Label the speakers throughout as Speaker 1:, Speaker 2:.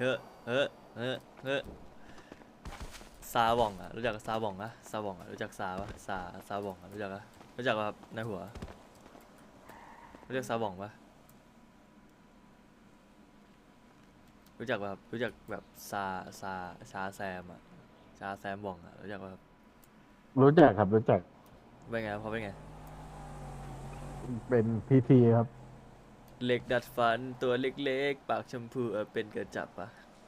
Speaker 1: ฮ้อเฮ้อเฮ้อเฮ้อซาบ่องอ่ะรู้จักซาบ่องอะซาบ่องอะรู้จักซาปะซาบ่องอะรู้จักอะรู้จักปะครับในหัวรู้จักซาบ่องปะรู้จักปะครับรู้จักแบบซาชาแซมอะชาแซมบ่องอะรู้จักปะครับ
Speaker 2: รู้จักครับรู้จัก
Speaker 1: เป็นไงเขาเป็นไง
Speaker 2: เป็นพีทีครับ
Speaker 1: เหล็กดัดฟันตัวเล็กๆปากชมพูเป็นกระจับปะ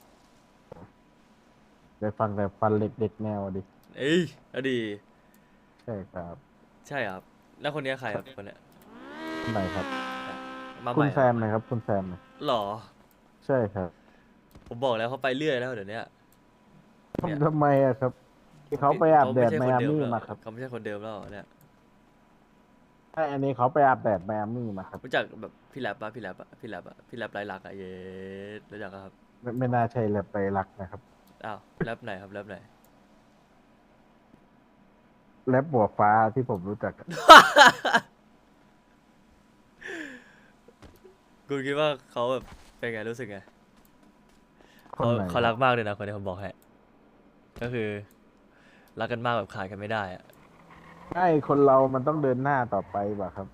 Speaker 2: ได้ฟังแต่ฟันเหล็กเด็กแนวดิ
Speaker 1: เอ้ยอดี
Speaker 2: ใช่ครับ
Speaker 1: ใช่ครับแล้วคนนี้ใครครับคนเนี้ย
Speaker 2: คนไหนครับ
Speaker 1: มาให
Speaker 2: คุณ
Speaker 1: ม่ครับ
Speaker 2: แซมไหมครับคุณแซมไหม
Speaker 1: หรอ
Speaker 2: ใช่ครับ
Speaker 1: ผมบอกแล้วเขาไปเรื่อยแล้วเดี๋ยวนี้เนี่ย
Speaker 2: ทำไมอะครับที่เขาไปอาบ
Speaker 1: เขาไม่ใช่
Speaker 2: แดดไมอา
Speaker 1: คนเดิมแล้ว
Speaker 2: มี่มาครับ
Speaker 1: เขาไม่ใช่คนเดิมแล้วเนี่ย
Speaker 2: ใช่อันนี้เขาไปอาบแดดไมอามี่มาครับ
Speaker 1: รู้จักแบบพี่แรปปะพี่แรปอะพี่แรปอะพี่แรปไรลักษณ์อะเย้รู้จักปะครับ
Speaker 2: ไม่น่าใช่แลบไปรักนะครับ
Speaker 1: อ้าวแรปไหนครับแรปไหน
Speaker 2: แลบบัวฟ้าที่ผมรู้จักอะ
Speaker 1: คุณคิดว่าเขาแบบเป็นไงรู้สึกไงเขา
Speaker 2: คนไหน
Speaker 1: เขารัก
Speaker 2: ครับ
Speaker 1: มากเลยนะคนที่ผมบอกให้ก็คือรักกันมากแบบขาดกันไม่ได้อะ
Speaker 2: ใช่คนเรามันต้องเดินหน้าต่อไปป่ะครับ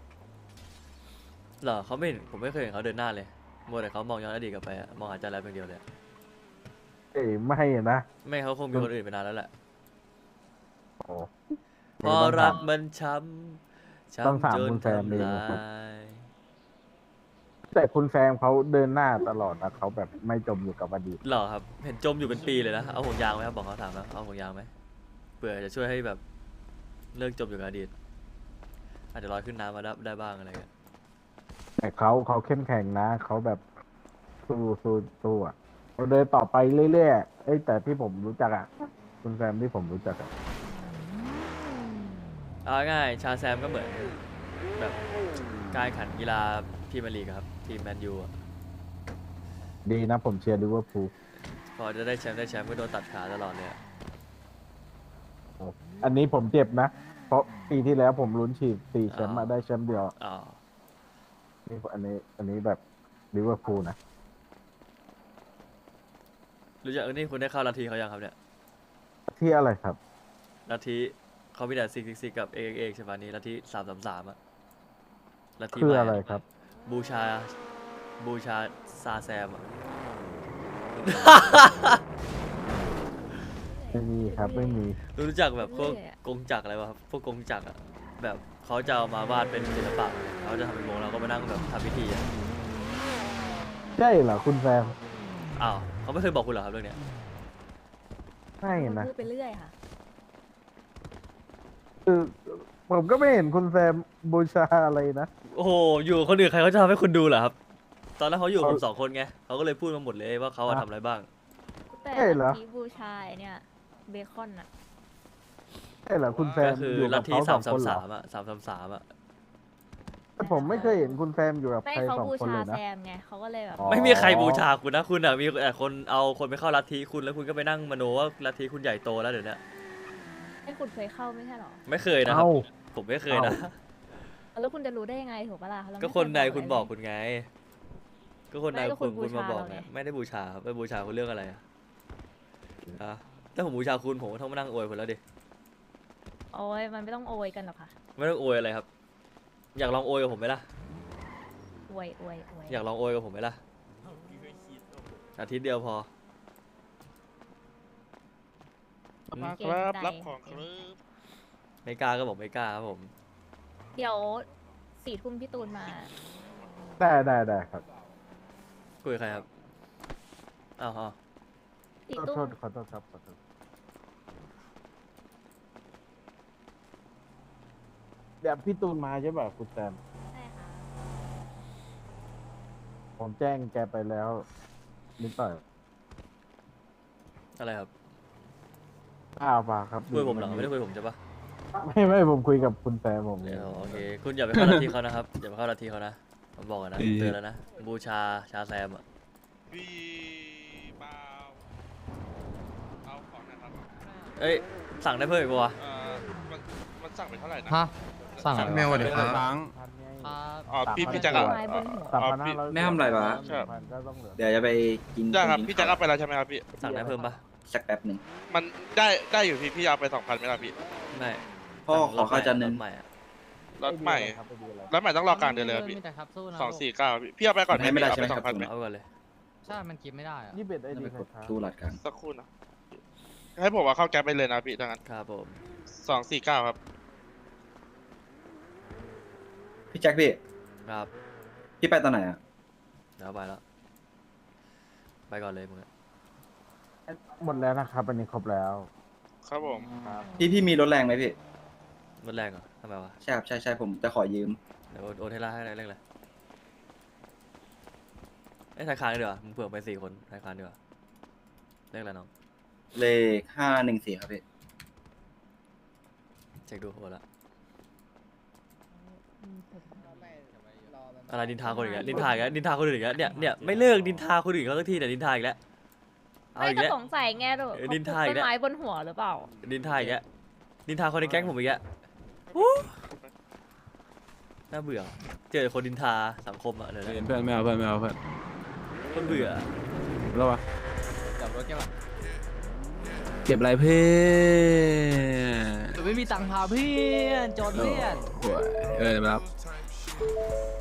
Speaker 1: เหรอเขาไม่เห็นผมไม่เคยเห็นเขาเดินหน้าเลยมัวแต่เขามองย้อนอดีตกลับไปอะมองหาใจแรปอย่างเดียวเลยอะ
Speaker 2: เอ้ยไม่นะ
Speaker 1: ไม่เขาคงมีคนอื่นไปนานแล้วแหละ
Speaker 2: โอ้
Speaker 1: พอรักมันช้ำ
Speaker 2: ต้อง
Speaker 1: ช้ำจน
Speaker 2: ถามคุณแซมเอ
Speaker 1: ทำลา
Speaker 2: งนะครับ
Speaker 1: ย
Speaker 2: แต่คุณแซมเขาเดินหน้าตลอดนะเขาแบบไม่จมอยู่กับอดีต
Speaker 1: หรอครับเห็นจมอยู่เป็นปีเลยนะเอาห่วงยางไหมครับบอกเขาถามแล้วเอาห่วงยางไหมเผื่อจะช่วยให้แบบเลิกจมอยู่กับอดีตอาจจะลอยขึ้นน้ำมาได้บ้างอะไรเงี้ย
Speaker 2: แต่เขาเข้มแข็งนะเขาแบบสู้อ่ะเขาเดินต่อไปเรื่อยๆเอ้ยแต่ที่ผมรู้จักอ่ะคุณแซมที่ผมรู้จักอ่ะ
Speaker 1: เอาง่ายๆชาแซมก็เหมือนแบบการแข่งขันกีฬาพรีเมียร์ลีกอะครับทีมแมนยูอะ
Speaker 2: ดีนะผมเชียร์ลิเวอร์พูล
Speaker 1: พอจะได้แชมป์ก็โดนตัดขาตลอดเลยอะ
Speaker 2: อันนี้ผมเจ็บนะเพราะปีที่แล้วผมลุ้นฉีด4 แช
Speaker 1: อ๋อ
Speaker 2: มป์มาได้แชมป์เดียว
Speaker 1: อ๋อ
Speaker 2: นี่อันนี้แบบลิเวอร์พูลนะ
Speaker 1: รู้จักนี่คุณได้เข้าลัทธิเขายังครับเนี่ย
Speaker 2: ที่อะไรครับ
Speaker 1: ลัทธิเขามีแต่ซิกกับเอกใช่ปะนี่ลัทธิ333อะลัทธิ
Speaker 2: คือ
Speaker 1: ใหม่อะ
Speaker 2: อะไรครับ
Speaker 1: บูชาบูชาซาแซมอะ
Speaker 2: ไม่มีครับไม่มี
Speaker 1: รู้จักแบบพวก
Speaker 3: เรื่อยๆอะ
Speaker 1: กงจักรอะไรวะครับพวกกงจักรอะแบบเขาจะเอามาวาดเป็นศิลปะเขาจะทำเป็นวงแล้วก็มานั่งแบบทำพิธีอะ
Speaker 2: ใช่เหรอคุณแซม
Speaker 1: อ้าวเขาไม่เคยบอกคุณเหรอครับเรื่องเนี้ย
Speaker 2: ไม่
Speaker 3: คน
Speaker 2: นะ
Speaker 3: พูดไปเรื่อยค่ะ
Speaker 2: คือผมก็ไม่เห็นคุณแซมบูชาอะไรนะ
Speaker 1: โอ้โหอยู่กับคนอื่นใครเขาจะทำให้คุณดูเหรอครับตอนแรกเขาอยู่กับ
Speaker 2: เขา
Speaker 1: ผม2 คนไงเขาก็เลยพูดมาหมดเลยว่าเขาอะทำอะไรบ้าง
Speaker 3: แต่
Speaker 2: ใช่เหรอ
Speaker 3: ลัทธิบูชาไอ้เนี่ยเบคอนอะ
Speaker 2: ใช่เหรอคุณแซ
Speaker 1: ก็
Speaker 2: ม
Speaker 1: คือ
Speaker 2: อยู่
Speaker 1: ลั
Speaker 2: กับ
Speaker 1: ทธิ
Speaker 2: เขาส
Speaker 1: สา
Speaker 2: องคนเหรอ
Speaker 1: มสามสามอะ333อะ
Speaker 2: แต่ผมไม่เคยเห็นคุณแซมอยู่กับ
Speaker 3: ไม่
Speaker 2: ใคร
Speaker 3: เขา
Speaker 2: 2 คน
Speaker 3: บูชา
Speaker 2: เลย
Speaker 3: แซ
Speaker 2: นะ
Speaker 3: มไงเขาก็เลยแบบ
Speaker 2: อ๋อ
Speaker 1: ไม่มีใครบูชาคุณนะคุณอะมีแต่คนเอาคนไปเข้าลัทธิคุณแล้วคุณก็ไปนั่งมโนว่าลัทธิคุณใหญ่โตแล้วเดี๋ยวนี้
Speaker 3: ให้คุณเคยเข้าไม่ใช่หรอ
Speaker 1: ไม่เคยนะครับ
Speaker 2: เอ้า
Speaker 1: ผมไม่เคยนะ
Speaker 3: แล้วคุณจะรู้ได้ยังไงถูกปะล่ะเรา
Speaker 1: ก็
Speaker 3: ไม่
Speaker 1: คนใน
Speaker 3: เย
Speaker 1: คุณบอกคุณไง ก็คนใน
Speaker 3: ไม่ก็
Speaker 1: คุณ
Speaker 3: บู
Speaker 1: คุณมา
Speaker 3: ชา
Speaker 1: บอก
Speaker 3: เรา
Speaker 1: ไง
Speaker 3: ไง
Speaker 1: ไม่ได้บูชาครับไปบูชาคุณเรื่องอะไรอะอะถ้าผมบูชาคุณผมก็ต้องมานั่งอวยคุณแล้วดิ
Speaker 3: โอ้ยมันไม่ต้องโอยกันหรอกค่ะ
Speaker 1: ไม่ต้องอวยอะไรครับ อยากลองอวยกับผมไหมล่ะ
Speaker 3: อวยอวยอวย
Speaker 1: อยากลองอวยกับผมไหมล่ะอาทิตย์เดียวพอ
Speaker 4: มาค
Speaker 3: เกรง
Speaker 4: รับ
Speaker 3: ใจ
Speaker 4: รับของครับ
Speaker 1: ไม่กล้าก็บอกไม่กล้าครับผม
Speaker 3: เดี๋ยว4 ทุ่มพี่ตูนมา
Speaker 2: ได้ครับ
Speaker 1: คุยกับใครครับอ้าว
Speaker 3: สี่
Speaker 2: ขอ
Speaker 3: ตุ้
Speaker 2: โท
Speaker 3: ม
Speaker 2: ษขอโทษครับขอโทษเดี๋ยวพี่ตูนมาใช่ป่ะคุณแซม
Speaker 3: ใช่ค่ะ
Speaker 2: ผมแจ้งแกไปแล้วนิดหน่อย
Speaker 1: อะไรครับ
Speaker 2: ป่าครับ
Speaker 1: คุยกับผมเหรอไม่ได้คุยกับผมใช่ปะ
Speaker 2: ไม่ผมคุยกับคุณแซมผม
Speaker 1: เดี๋ยวโอเคคุณอย่าไปเข้าลัทธิเขานะครับอย่าไปเข้าลัทธิเขานะผมบอกกันนะเตือนแล้วนะบูชาแซมอะ
Speaker 4: พี่เบาเอาของนะครับ
Speaker 1: เอ้ยสั่งได้เพิ่มอีกปะวะ
Speaker 4: มันมันสั่งไปเท่าไหร่นะ
Speaker 5: ฮะสั่ง
Speaker 1: สั่ง
Speaker 5: เมลสวัสดีครับ
Speaker 2: พันไง
Speaker 4: อ๋อพี่แจ็คอะ
Speaker 3: ไม้บนหัว
Speaker 2: 3,500
Speaker 5: ไม่ทำอะไรวะ
Speaker 2: ก็ต้องเหลือ
Speaker 5: เดี๋ยวจะไปกิน
Speaker 4: ได้ครับ
Speaker 5: ตง
Speaker 4: พี่แจ็คเอาไปแล้วใช่ไหมครับพี่
Speaker 1: สั่งได้เพิ่มปะ
Speaker 5: สักแป๊บหนึ่ง
Speaker 4: มันได้อยู่พี่เอาไป2,000ไหมล่ะพี่
Speaker 1: ไม่
Speaker 5: พ่อ
Speaker 1: สั่ง
Speaker 5: ขอข้าวจานหนึ่ง
Speaker 1: รถใหม่อะ
Speaker 4: รถใหม่รถใหม่ต้องรอกลางเดือนเลยครับพี่249พี่เอาไปก่อน
Speaker 5: ให้ไม่ได้
Speaker 4: เอา
Speaker 5: ใช่ไห
Speaker 4: ไป
Speaker 5: มครับ
Speaker 4: 2,000ไหม
Speaker 1: เอาก่อนเลย
Speaker 6: ใช่ มันกินไม่ได้อะ
Speaker 2: นี่เป็นไอ
Speaker 5: จะ
Speaker 2: ดี
Speaker 5: ไป
Speaker 2: ใค
Speaker 5: ก
Speaker 2: ร
Speaker 5: ด
Speaker 2: ครับ
Speaker 5: ตู้หลัดกลาง
Speaker 4: สักครู่นะให้ผมว่าเข้าแก๊ปไปเลยนะพี่ดังนั้น
Speaker 1: ครับผม
Speaker 4: 249ครับ
Speaker 5: พี่แจ็คพี่
Speaker 1: ครับ
Speaker 5: พี่ไปตอนไหนอ่ะ
Speaker 1: เดี๋ยวไปแล้วไปก่อนเลยมึงอะ
Speaker 2: หมดแล้วนะครับอันนี้ครบแล้ว
Speaker 4: ครับผม
Speaker 5: พี่มีรถแรงไหมพี่
Speaker 1: รถแรงเหรอทำไมวะ
Speaker 5: ใช่ครับใช่ผมจะขอยืม
Speaker 1: เดี๋ยวโอนให้ล่าให้เร่งเลยไอ้ยธนาคารดีกว่ามึงเผื่อไป4 คนธนาคารดีกว่าเลขอะไรน้อง
Speaker 5: เลข514ครับพี่
Speaker 1: เช็คดูโอนละอะไรนินทาคนอื่นอีกแล้วนินทาอีกแล้วนินทาคนอื่นอีกแล้วเนี่ยไม่เลิกนินทาคนอื่นเขาสักทีแต่ยนินทาอีกแล้วเอา
Speaker 3: ไม่
Speaker 1: อีก
Speaker 3: ก็
Speaker 1: แล้ว
Speaker 3: สงสัยไงดู
Speaker 1: เออนินทาอีก
Speaker 3: ต้
Speaker 1: แล้ว
Speaker 3: นไม้บนหัวหรือเปล่า
Speaker 1: นินทาอีกแล้วนินทาคนในแก๊งผมอีกแล้วอู้น่าเบื่อเจอคนนินทาสังคมอะเดี๋ยวนะ
Speaker 7: เพื่อนไม่เอาเพื่อนไม่เอาเพื่อน
Speaker 1: คนเบื่อ
Speaker 7: แล้ววะ
Speaker 6: จับรถแกแบบ
Speaker 7: เก็บอะไรเพื่อน
Speaker 6: ไม่มีตังค์พาเพื่อนจนเพื่อน
Speaker 7: โอ้ยเดี๋ยวมารับ